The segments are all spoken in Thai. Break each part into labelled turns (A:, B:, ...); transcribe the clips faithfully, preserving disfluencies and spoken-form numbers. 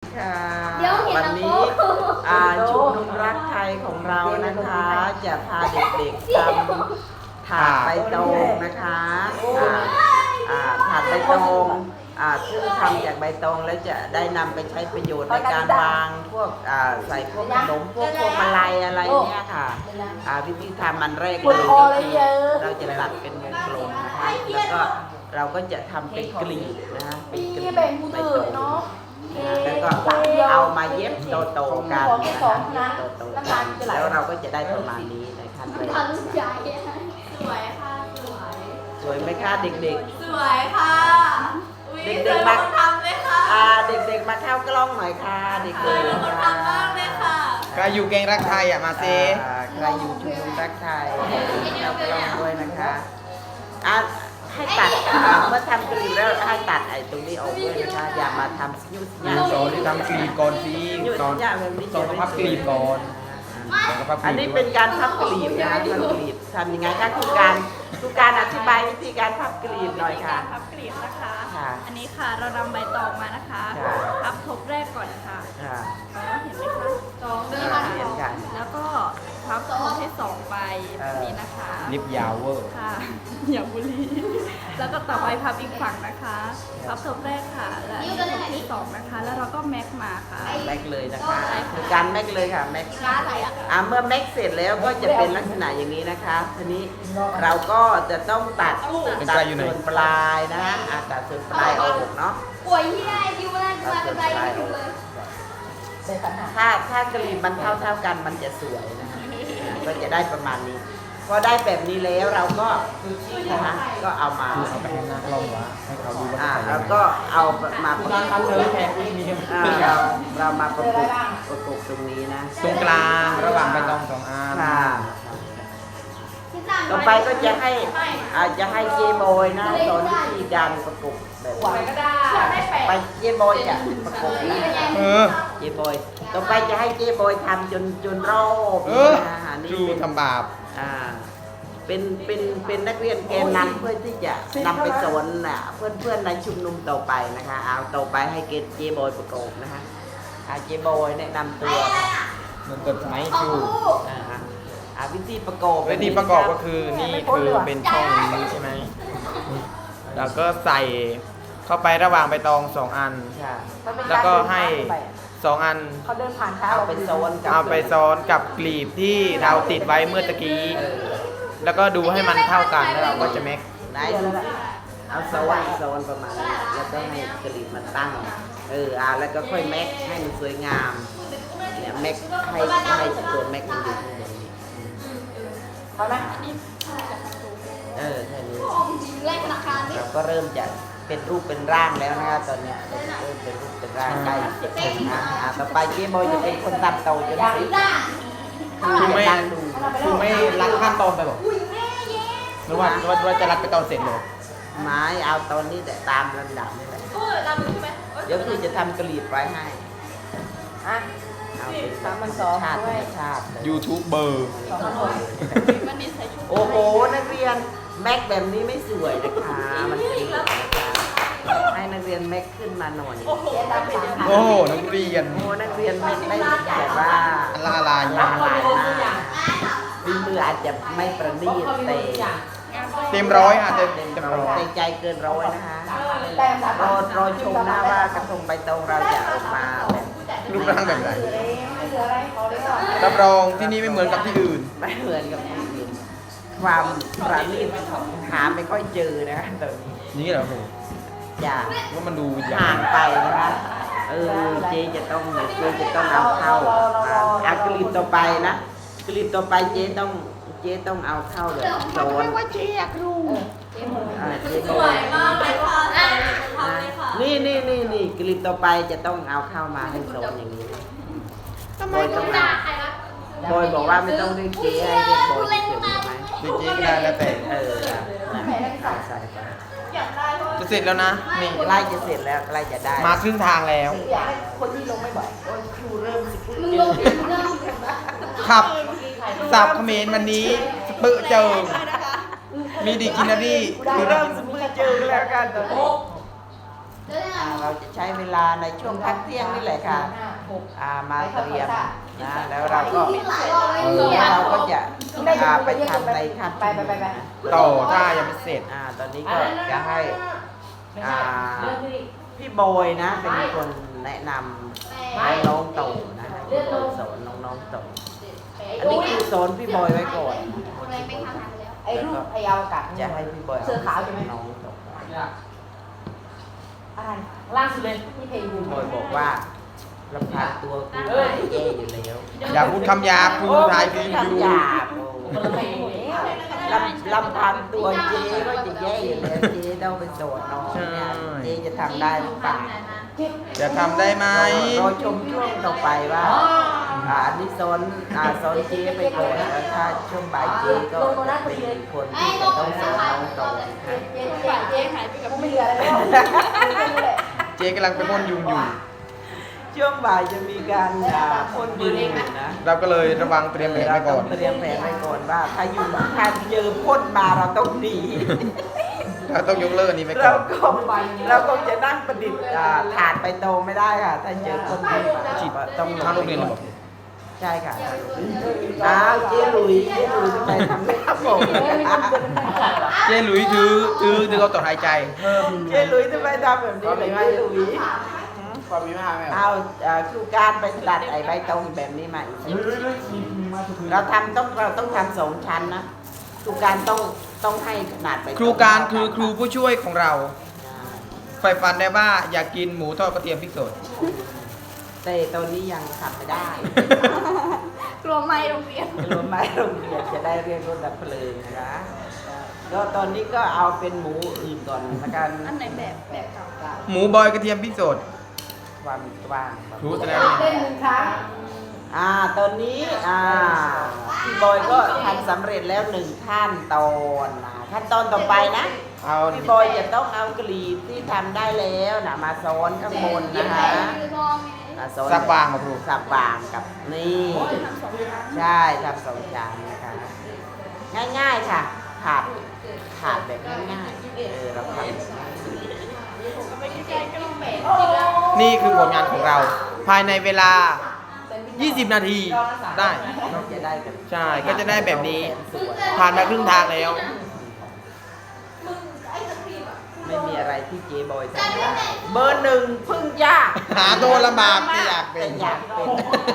A: ค่ะวันนี้ชุมนุมรักไทยของเรานะคะจะพาเด็กๆทำถาดใบตองนะคะถาดใบตองซึ่งทำจากใบตองแล้วจะได้นำไปใช้ประโยชน์ในการวางพวกใส่พวกขนมพวกพวงมาลัยอะไรเนี่ยค่ะวิธีทำมันแรกเลยก็คือเราจะตัดเป็นวงกลมนะคะแล้วก็เราก็จะทำเป็นกลีบนะคะเป็นกลีบใบตองแล้วก็เอามาเย็บโตๆกันนะคะโตๆกันแล้วเราก็จะได้ประมาณนี้ในขั้นแรก
B: สวยค่ะสวย
A: สวยไหมคะเด็ก
B: ๆสวยค่ะ
A: เด็กๆมาทำเลยค่ะเด็กๆมาเข้ากล้องหน่อยค่ะเด็กๆ
B: มาทำมากเลยค่ะ
C: ใครอยู่เก่งรักไทยอ่ะมาเซ
A: ใครอยู่ชุมนุมรักไทยเข้ากล้องด้วยนะคะให้ตัดเมื่อทำกลีบแล้วให้ตัดไอ้ตรงนี้ออกด้วยนะคะอย่ามาทำยุ่ย
C: ากสอนที่ทำกลีบก่อนสิสอนสอนพับกลีบก่อน
A: อันนี้เป็นการพับกลีบนะพับกลีบทำยังไงคะคุณการคุณการอธิบายวิธีการพับกลีบหน่อยค่ะ
B: พับกลีบนะคะอันนี้ค่ะเรานำใบตองมานะคะพับทบแรกก่อนค่ะเห็นไหมคะตองเดินมาแล้วก็พับทบให้สองใบนี้นะคะ
C: ลิปยาวเวอร์
B: ค่ะอย่าบุรีแล้วก็ต่อไปพับอีกฝั่งนะคะพับทบแรกค่ะและทบที่สองนะคะแล้วเราก็แม็กมาค่ะ
A: แม็กเลยนะคะคือการแม็กเลยค่ะแม็กอ่าเมื่อแม็กเสร็จแล้วก็จะเป็นลักษณะอย่างนี้นะคะทีนี้เราก็จะต้องตัดตัดส่วนปลายนะอาตัดส่วนปลายออกเนาะ
B: ป่วยที่ได้ดิวแรกมาเป็นไรอยู่เลย
A: ถ้าถ้ากลีบมันเท่าเท่ากันมันจะสวยนะคะก็จะได้ประมาณนี้พอได้แบบนี้แล้วเราก็นะคะก็เอามา
C: เอาไปให้นักลองวะให้เขาดูว่า
A: แล้วก็เอามาประกบเราเรามาประกบประกบตรงนี้นะ
C: ตรงกลางระหว่างใบตองสองอัน
A: ต่อไปก็จะให้อาจจะให้เจโบยนะสอนวิธีการประกบแบบไปเจโบยจะประกบนะเจโบยต่อไปจะให้เจโบยทำจนจนรอบ
C: นะนี่คือทำบาป
A: อ่าเป็นเป็นเป็นนักเรียนแกนนำเพื่อที่จะนำไปสอนน่ะเพื่อนเพื่อนในชุมนุมต่อไปนะคะเอาต่อไปให้เกณฑ์เจโบยประกบนะคะเจโบยแนะนำตัว
C: มันเกิดสมัยครู
A: วิธีประกอบ
C: วิธีประกอบก็คือนี่คือเป็นช่องนี้ใช่ไหมแล้วก็ใส่เข้าไประหว่างใบตองสองอันแล้วก็ให้สองอัน
A: เขาเดินผ่านเท้าเอาไปซ้อน
C: เอาไปซ้อนกับกลีบที่เราติดไว้เมื่อตะกี้แล้วก็ดูให้มันเท่ากันแล้วเราก็จะแม็ก
A: ได้เอาซ้อนซ้อนประมาณนี้แล้วก็ให้กลีบมันตั้งเอออ่าแล้วก็ค่อยแม็กให้มันสวยงามเนี่ยแม็กให้ให้ตัวแม็กมันอยู่ข้างบนเขาไหมเออแค่นี้เราก็เริ่มจะเป็นรูปเป็นร่างแล้วนะคะตอนนี้เริ่มเป็นรูปเป็นร่างใกล้จะถึงนะต่อไปเจ๊บอยจะเป็นคนตัดเต่าจนสิ
C: คือไม่คือไม่รัดขั้นตอนไปหรอหรือว่าว่าจะรัดไปตอนเสร็จเลย
A: ไม้เอาตอนนี้แต่ตามลำดับนี่แหละเดี๋ยวคือจะทำกลีบไว้ให้เอาเป็นสามันสองชาติชาติ
C: ยูทูบเบอร์
A: โอ้โหนักเรียนแม็กแบบนี้ไม่สวยนะคะมันเป็นให้นักเรียนแม็กขึ้นมาหน่อย
C: โอ้นักเรียน
A: โอ้นักเรียนแม็กได้แบบว่า
C: ละลาย
A: ละลายมากฝีมืออาจจะไม่ประณีตแต่
C: เต็มร้อยอาจจะเต็มร้อย
A: ใจใจเกินร้อยนะคะรอรอชมหน้าว่ากระทงใบตองเราจะออกมาแบบ
C: รูปร่างแบบไหนรับรองที่นี่ไม่เหมือนกับที่อื่น
A: ไม่เหมือนกับที่อื่นความประณีตหาไม่ค่อยเจอนะตอนนี้
C: นี่เหรอโห
A: อย่า
C: ว่ามันดู
A: ห่างไปนะคะเออเจจะต้องเจจะต้องเอาเข้าอากรีบต่อไปนะกรีบต่อไปเจต้องเจต้องเอาเข้าเลยโซนว่าเจอยากรู้
B: สวยมากเลยค่ะ
A: นี่นี่นี่นี่กรีบต่อไปจะต้องเอาเข้ามาให้โซนอย่างนี้บอยต้องเอาบอยบอกว่าไม่ต้องเรียกเจให้เรียกบอยเฉยๆไหม
C: เรียกเจก็ได้แล้วแต่
A: เออใส่ไป
C: จะเสร็จแล้วนะ
A: นี่ใกล้จะเสร็จแล้วใกล้จะได้
C: มาครึ่งทางแล้ว
A: คนที่ลงไม่บ่อยโอ้ยครูเริ่มสิพูดเย
C: อะขับสับเขมรวันนี้สปื้เจอมีดิกินารี
A: คือเริ่มสปื้เจอแล้วกันตอนนี้อ่าเราจะใช้เวลาในช่วงพักเที่ยงนี่แหละค่ะอ่ามาเตรียมนะแล้วเราก็เราก็จะอ่าไปทำในขั้นตอนนะ
C: ต่อถ้ายังไม่เสร็จ
A: อ่าตอนนี้ก็จะให้อ่าพี่บอยนะเป็นคนแนะนำน้องๆโตนะให้พี่บอยสอนน้องๆโตอันนี้คือสอนพี่บอยไว้ก่อนนะ
D: ไอ้รูปไอ้อวกาศ
A: จะให้พี่บอย
D: เสื้อขาวใช่ไหม
A: น้องโต
D: อะไรล่าสุดเลยที่เพลงบู
A: พี่บอยบอกว่าลำพังตัวกูก็แย่อยู่แล้ว
C: อย่าพูดคำหยาบครูไทยพียู
A: คำหยาบโอ้ลำลำพังตัวเจ๊ก็จะแย่อยู่แล้วเจ๊ต้องไปสอนน้องเนี่ยเจ๊จะทำได้หรือเปล่า
C: จะทำได้ไหม
A: รอชมช่วงต่อไปว่าอ่าอันนี้โซนอ่าโซนเจ๊ไปก่อนแล้วถ้าช่วงบ่ายเจ๊ก็จะเป็นคนที่จะต้องสอนน้องต่อนะ
D: เจ๊
B: ฝ่ายเจ๊หายไปกับ
D: กูไม่
B: พี่
D: เหลืออะไรแล้ว
C: เจ๊กำลังไปพ่นยุงอยู่
A: ช่วงบ่ายจะมีการอ่าพ่นยุงนะ
C: เราก็เลยระวังเตรียมแผน
A: เรา
C: ไว้
A: ต้
C: ก่
A: อ
C: อง น
A: เตรียมแผนไว้ก่อนว่าถ้ายุงถ้าเจอพ่นมาเราต้องหนี
C: เราต้องยกเลิกอันนี้ไปก่
A: เรา
C: อน
A: ก็เราก็จะนั่งประดิษฐ์อ่าถาดไปโตไม่ได้ค่ะ ถ้าเจอคนพ่นมาต้อง
C: เข้าโรงเรียนเลยบอก
A: ใช่ค่ะอ้าวเจ๊หลุยเจ๊หลุยทำไมทำไม่ครับผม
C: เจ๊หลุยถือถือถือเอาต่อหายใจ
A: เจ๊หลุยทำไมทำแบบนี้เลยเจ๊หลุย
C: ความมีมากไหม
A: เอาอ่าครูการไปตัดไอ้ใบตองแบบนี้มาอีกสิเราทำต้องเราต้องทำสองชั้นนะครูการต้องต้องให้ขนาดใบตอง
C: ครูการคือครูผู้ช่วยของเราใฝ่ฝันได้ว่าอยากกินหมูทอดกระเทียมพริกสด
A: แต่ตอนนี้ยังทำไม่ได้
B: กลัวไม่โรงเรียน
A: รวมไม้โรงเรียนจะได้เรียกรถดับเพลิงนะคะก็ตอนนี้ก็เอาเป็นหมูอื่นก่อนละกัน
B: อันไหนแบบแบบเก่า
C: หมูบอยกระเทียมพริกสด
A: ความกว้าง
C: ครูแสดง
D: เล่นหนึ่งครั้ง
A: อ่าตอนนี้อ่าพี่บอยก็ทำสำเร็จแล้วหนึ่งขั้นตอนนะขั้นตอนต่อไปนะ
C: เอา
A: พี่บอยจะต้องเอากลีบที่ทำได้แล้วนะมาซ้อนข้างบนนะคะมาซ้อน
C: สักวางมาครู
A: สับวางกับนี่
B: ทำสองชั้น
A: ใช่ทำสองจานนะคะง่ายๆค่ะถาดถาดแบบง่ายๆเออเราทำ
C: นี่คือผลงานของเรา ภายในเวลา ยี่สิบ นาทีได้
A: เราจะได้กัน
C: ใช่ก็จะได้แบบนี้ ผ่านมาครึ่งทางแล้ว
A: ไม่มีอะไรที่เจบอยทำได้เบอร์หนึ่งเพึ่งยาก
C: หาตัวลำบากแต่อยากเป็น
A: แต่อยากเป็น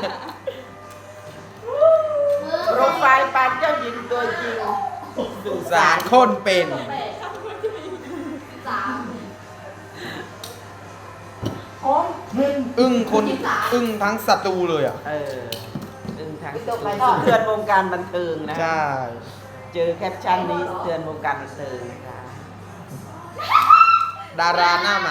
A: โปรไฟล์ปานเจ้าหญิงตัวจริงสุ
C: สารคนเป็น อึ้งคนอึ้งทั้งศัตรูเลยอ่ะ
A: เออดึงทางสะเทือนวงการบันเทิงนะ
C: ใช่
A: เจอแคปชั่นนี้สะเทือนวงการบันเทิงนะคะ
C: ดาราหน้าใหม่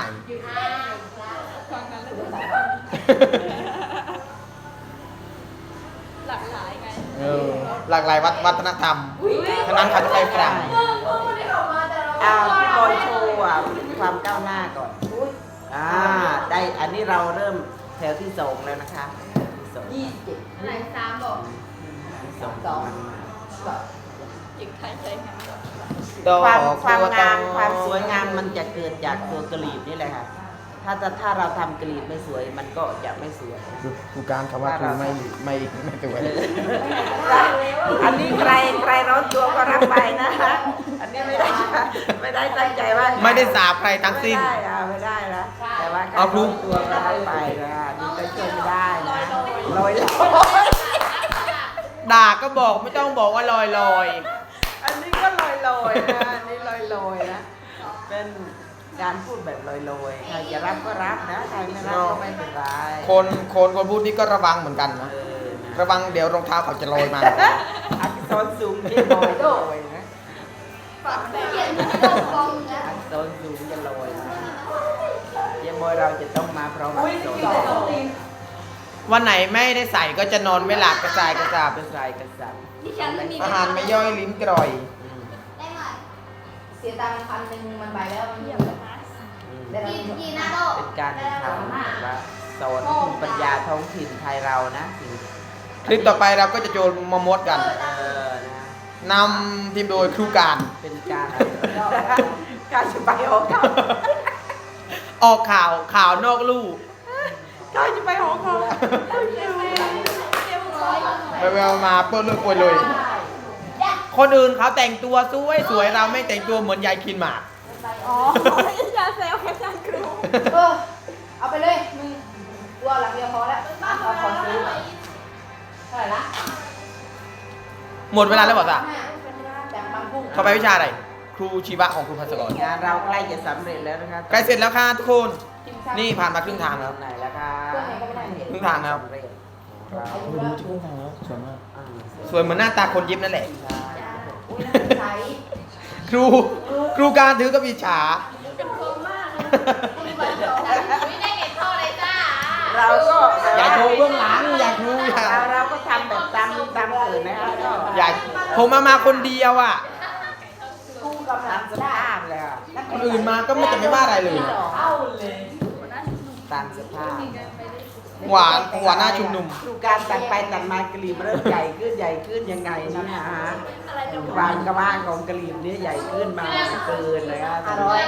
B: หลากหลายไง
C: เออหลากหลายวัฒวัฒนธรรมฉะนั้นเขาจะไปฝรั่ง
A: อ้าวพี่บอยโชว์อ่ะความก้าวหน้าก่อนอ่าได้อันนี้เราเริ่มแถวที่สองแล้วนะคะแถวที่สอง
D: ยี่สิบเจ็ด
B: อะไรสามบอก
A: ที่สอง
D: สอง
B: จิกไทยใจงาม
A: ความความงามความสวยงามมันจะเกิดจากตัวกลีบนี่แหละค่ะถ้าจะถ้าเราทำกลีบไม่สวยมันก็จะไม่สวย
C: ครูการคำว่าครูไม่ไม่ไม่สวย
A: อันนี้ใครใครร้อนตัวก็รับไปนะอันนี้ไม่ได้ไม่ได้ตั้งใจว่า
C: ไม่ได้สาบใครทั้งสิ้น
A: ไม่ได้อะไม่ได้นะแต่ว่าการ
C: เอาครู
A: ร้อนตัวก็รับไปนะนี่ก็ช่วยไม่ได้นะลอยลอย
C: ด่าก็บอกไม่ต้องบอกว่าลอยลอย
A: อันนี้ก็ลอยลอยนะอันนี้ลอยลอยนะเป็นการพูดแบบลอยลอยใครจะรับก็รับนะใครไม่รับก็ไม่เป็นไร
C: คนคนคนพูดนี่ก็ระวังเหมือนกันนะ
A: เออนะ
C: ระวังเดี๋ยวรองเท้าเขาจะลอยมา
A: อักษรสูงที่ลอยลอยนะ
B: ฝั่งแบบ
A: อักษรสูงจะลอยนะเยังบอยเราจะต้องมาพร้อมอักษร
C: วันไหนไม่ได้ใส่ก็จะนอนไม่หลับกระจายกระจาบ
A: เป็นสายกษัตริย์
B: ดิฉันไม่มี
C: อาหารไม่ย่อยลิ้นกร่อย
A: อืม
D: เสียตังค์พันหนึ่งมันไปแล้วมัน
B: เยี่ยมเลยนะ
A: อืม
D: ได้แล้ว
A: เป็นการทำแบบว่าสอนภูมิปัญญาท้องถิ่นไทยเรานะสิ่ง
C: คลิปต่อไปเราก็จะโจรมามดกัน
A: เออนะ
C: นำทีมโดยครูการ
A: เป็นการการสไปโอครับ
C: ออกข่าวข่าวนอกลู่
A: ก็จะไปหอเขา
C: ไปแววมาเปิ้ลเลือกปวยเลย คนอื่นเขาแต่งตัวสวยสวยเราไม่แต่งตัวเหมือนยายคินหมาก
B: อ๋ออย่าแซวแคปชั่นครู
D: เออเอาไปเลยมึงตัวหลังเดียวพอแล้วเอาขอซื้อเท่าไหร่ละ
C: หมดเวลาแล้วบอกจ้ะ
D: จากบางกุ้ง
C: เข้าไปวิชาอะไรครูชีวะของครูพัสกรง
A: านเราใกล้จะสำเร็จแล้วนะคะ
C: ใกล้เสร็จแล้วค่ะทุกคน นี่ผ่านมาครึ่งทางแล้ว
A: ไหนแล้วคะ
C: ครึ่งทางแล้ว
A: สำเร็จของเรา
C: ดูที่ครึ่งทางแล้วสวยมาก
A: อ่า
C: สวยเหมือนหน้าตาคนยิบนั่นแหละ
A: ใช่
D: อุ้ยใส
C: ครูครูการถือกับอิจฉา
B: เป็นโคมมากเลยมีใบตอง
D: ไม่ได้เก็บท่อเลยจ้า
A: เราก็
C: อย่าโชว์เบื้องหลังอย่าครูอย่า
A: เราเราก็ทำแบบตามตามอื่นนะคะก็
C: อย่าผมมามาคนเดียวอ่ะ
D: กูกำลั
A: ตาง มส
D: ได้
A: ภาพเลยอะ
C: คนอื่นมาก็ไม่จะไม่ว่าอะไรเลย
D: เอาเลย
A: ตามสภาพ
C: หวานหวานหน้าชุมนุม
A: ดูการตัดไปตัดมากรีบเริ่มใหญ่ขึ้นใหญ่ขึ้นยังไงนี่นะฮะ
B: อะไรจะ
A: กวางกระว่างของกรีบนี้ใหญ่ขึ้นมาเกินเลยครับ
D: อร่อย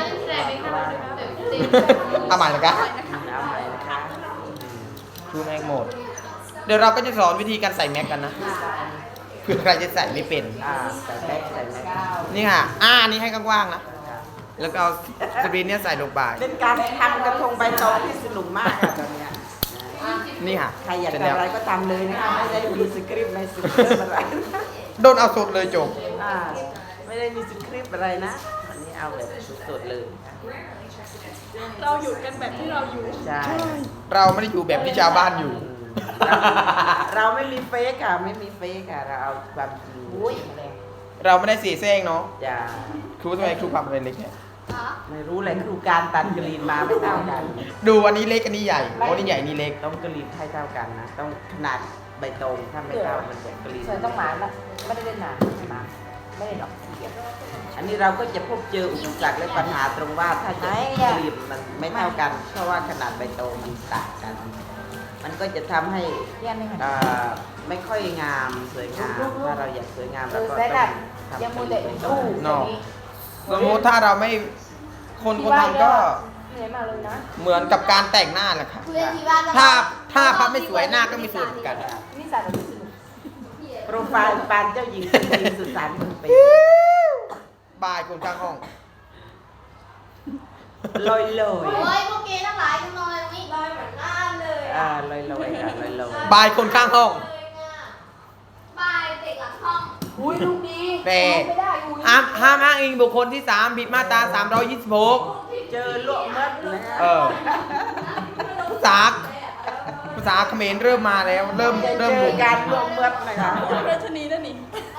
C: เอาใหม่เลยครับ
A: เอาใหม่นะคะ
C: ครูแม็กโหมด เดี๋ยวเราก็จะสอนวิธีการใส่แม็กกันนะเพื่อใครจะใส่ไม่เป็น
A: อ่าใส่แม็กใส่แม็ก
C: นี่ค่ะ อ่านี่ให้กว้างๆนะ แล้วก็เอาสกรีนเนี้ยใส่ลงไป
A: เป็นการทำกระทงใบตองที่สนุกมากอะตอนเนี้ย
C: นี่ค่ะ
A: ใครอยาก
C: เสร็จ
A: ทำ
C: แล้ว
A: อะไรก็ทำเลยนะคะไม่ได้มีสคริปต์ในสคริปต์อะไร
C: โดนเอาสดเลยจบ
A: อ่าไม่ได้มีสคริปต์อะไรนะอันนี้เอาแบบสดๆเลย
B: เราอยู่กันแบบที่เราอยู่
A: ใช่
C: เราไม่ได้อยู่แบบที่ชาวบ้านอยู่
A: เราไม่มีเฟกค่ะไม่มีเฟกค่ะเราเอาความจริง
D: อุ้ย
C: เราไม่ได้เสียแซงเนาะ
A: จะ
C: ครูทำไมครูปรับเป็นเล็กเนี่ย
A: ไม่รู้เลยครูการตัดกรีนมาไม่เท่ากัน
C: ดูอันนี้เล็กอันนี้ใหญ่โอ้นี่ใหญ่นี่เล็ก
A: ต้องกรีนให้เท่ากันนะต้องขนาดใบตองถ้าไม่เท่ามันจะกรีน
D: เธอต้องหมาละไม่ได้เล่นหนามาไม่ได้หรอก
A: อันนี้เราก็จะพบเจออุปสรรคและปัญหาตรงว่าถ้าจะกรีนมันไม่เท่ากัน เพราะว่าขนาดใบตองมันต่างกัน มันก็จะทำให้
D: เยี่ยมเลยค่ะ
A: เอ่อไม่ค่อยงามสวยงามถ้าเราอยากสวยงาม
D: คื
A: เรา
D: อ
A: ก็
D: แซ
A: ต้
D: ด
A: อง
D: ยัง
A: ทำ
D: มูแต่
A: ใบต
D: อู้
A: อง
C: เนาะ สมมติถ้าเราไม่คนคนทำก็
D: เหนื่อยมากเลยนะ
C: เหมือนกับการแต่งหน้าแหละค่ะ ถ้าถ้าพับไม่สวยหน้าก็ไม่สวยเหมือนกัน
D: นี่สาดแบบสนุก
A: โปรไฟล์ปานเจ้าหญิงสุดหญิงสุดสารคนเป็น
C: บายคนข้างห้อง
A: ลอยลอย
E: โอ้ยพวกเกย์ทั้งหลายกันนอนตรงนี้ลอยเหมือนหน้าเลย
A: อ่า
E: อ่ะ
A: ลอยลอยค่ะลอยลอย
C: บายคนข้างห้อง
E: เลยอ่ะบายเด็กหลังห้อง
D: อุ้ยลูกดี
C: แต่
D: ไม่ได้อุ้ย
C: ห้ามห้ามอ้างอิงบุคคลที่สามผิดมาตราสามร้อยยี่สิบหก
A: เจอลวกมัดนะฮะ
C: เออภาษาภาษาเขมรเริ่มมาแล้ว เริ่ม
A: จะ
C: เริ่ม
A: เจ
C: บุ
A: อก การลวกมัดนะคะ
B: ราชนีนั่นนี่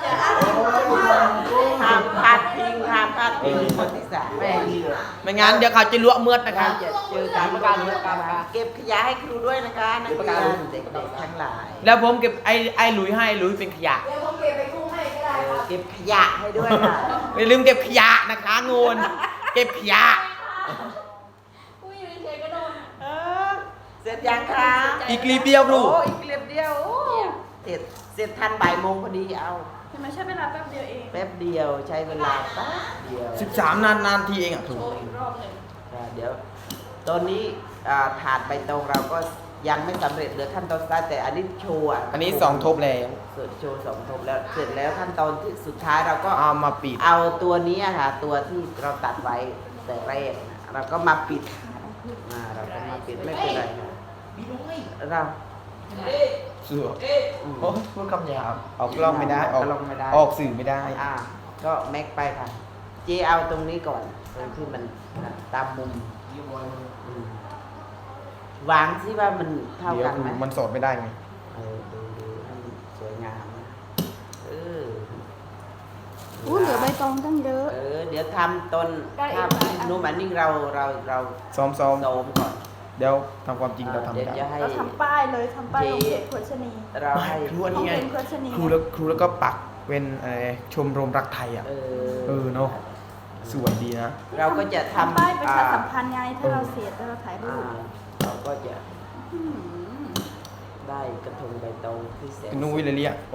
A: ห้ามพลาดพิงห้ามพลาดพิงคนที่สามแม่งเหลือ
C: ไม่งั้นเดี๋ยวเขาจะลวกเมือดนะคะ
A: จะเจอการลวกมัดนะคะเก็บขยะให้ครูด้วยนะคะนักเรียนเด็กๆทั้งหลาย
C: แล้วผมเก็บไอ้ไอ้หลุยให้หลุยเป็นขยะ
D: เดี๋ยวผมเก็บไปกุ้งให้ก็ได้
A: เอ
D: ค
A: อ
D: รับ
A: เก็บขยะให้ด้วยค่ะ
C: อย่าลืมเก็บขยะนะคะงูนเก็บขยะ
B: ผู้อยู่เฉยๆก็โดน
A: เออเสร็จยังคะ
C: อีกรีบเดียวครู
A: โอ้อีกเรียบเดียวโอ้เสร็จเสร็จทันบ่ายโมงพอดีเอา
B: ทำไมใช้เวลาแป๊บเดียวเอง
A: แป๊บเดียวใช้เวลาแป๊บเดียว
C: สิบสามนานนานทีเองอ่ะครู
B: โชว์อีกรอบหนึ่ง
A: อ่าเดี๋ยวตอนนี้อ่าถาดใบตองเราก็ยังไม่สำเร็จเหลือขั้นตอนสุดท้ายแต่อันนี้โชว์อ่ะ
C: อันนี้สองทบแล้ว
A: เสร็จโชว์สองทบแล้วเสร็จแล้วขั้นตอนที่สุดท้ายเราก็
C: เอามาปิด
A: เอาตัวนี้อะค่ะตัวที่เราตัดไว้แต่แรกเราก็มาปิดอ่าเราก็มาปิดไม่เป็นไรค่ะเรา
C: เสือโอ้พูดคำหยาบออกกล้องไม่ได้ออก
A: กล้องไม่ได้
C: ออกสื่อไม่ได้
A: อ่าก็แม็กไปค่ะ เจเอาตรงนี้ก่อนตรงที่มันอ่ะตามมุมอืมวางที่ว่ามันเท่า
C: เดี๋ยว
A: กันไหม
C: มันสดไม่ได้ไง
A: เออดูดูให้มันสวยงามนะเออ
B: อู้เหลือใบตองตั้งเยอะ
A: เออเดี๋ยวทำต้น
B: ได้อีก
A: ถ้า
B: หลายอัน
A: นุ่มอันนี้เราเราเรา
C: ซ้อมซ้อม
A: โสมก่อน
C: เดี๋ยวทำความจริงเราทำ
A: เดี๋
C: ไม่
A: ยว
C: ได้
A: จะให้
B: เราทำป้ายเลยทำป้ายลงเพจโฆษณี
A: เราให้
C: ครูอันนี้ไง
B: ต้องเป็นโฆษณี
C: ครูแล้วครูแล้วก็ปักเป็นอะไรชมรมรักไทยอ่ะ
A: เอ
C: เออเนอะ สวยดีนะ
A: เราก็จะทำ
B: ทำป้ายประชาสัม
A: อ่
B: พันธ์ไงถ้าเราเสียแล้วเราถ่ายรู
A: อ่า
B: ป
A: เราก็จะได้กระทงใบตองที่แสน
C: นุ้ยเลยเรียกโอ้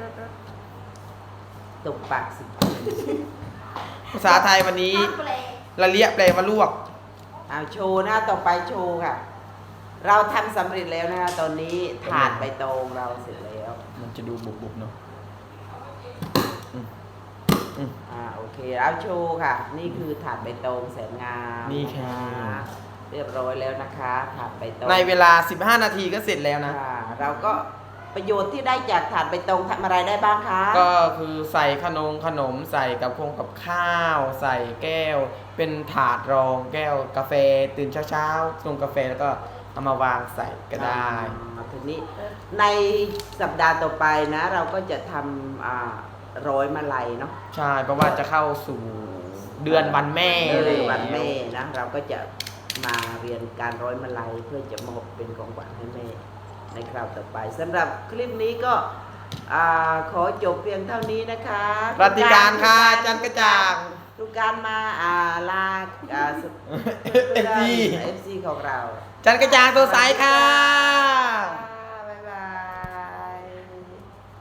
A: ตกปากสิ
C: ภาษาไทยวันนี้
E: แปลก
C: ละเลียแปลว่าลวก
A: เอาโชว์นะต่อไปโชว์ค่ะ เราทำสำเร็จแล้วนะคะตอนนี้ถาดใบตองเราเสร็จแล้ว
C: มันจะดูบุบๆเนาะอืมอืม
A: อ่าโอเคเอาโชว์ค่ะ นี่คือถาดใบตองแสนงาม
C: นี่ค่ะ
A: เรียบร้อยแล้วนะคะถาดใบตอง
C: ในเวลา สิบห้า นาทีก็เสร็จแล้วนะ
A: ค่ะเราก็ประโยชน์ที่ได้จากถาดใบตองทำอะไรได้บ้างคะ
C: ก็คือใส่ขนมขนมใส่กับคงกับข้าว ใส่แก้ว เป็นถาดรองแก้วกาแฟตื่นเช้าๆชงกาแฟแล้วก็เอามาวางใส่ก็ได้
A: อ่าทีนี้ในสัปดาห์ต่อไปนะ เราก็จะทำอ่าร้อยมาลัยเนาะ
C: ใช่เพราะว่าจะเข้าสู่เดือนวันแม่
A: เดือน
C: แล้ว
A: วันแม่นะเราก็จะมาเรียนการร้อยมาลัยเพื่อจะมอบเป็นของขวัญให้แม่ในคราวต่อไปสำหรับคลิปนี้ก็อ่าขอจบเพียงเท่านี้นะคะ
C: รัติการค่ะจันกระจ่าง
A: ทุกการมาอ่าลาอ่า
C: เอฟซี
A: เอฟซีของเรา
C: จันกระจ่างตัวใสค่ะ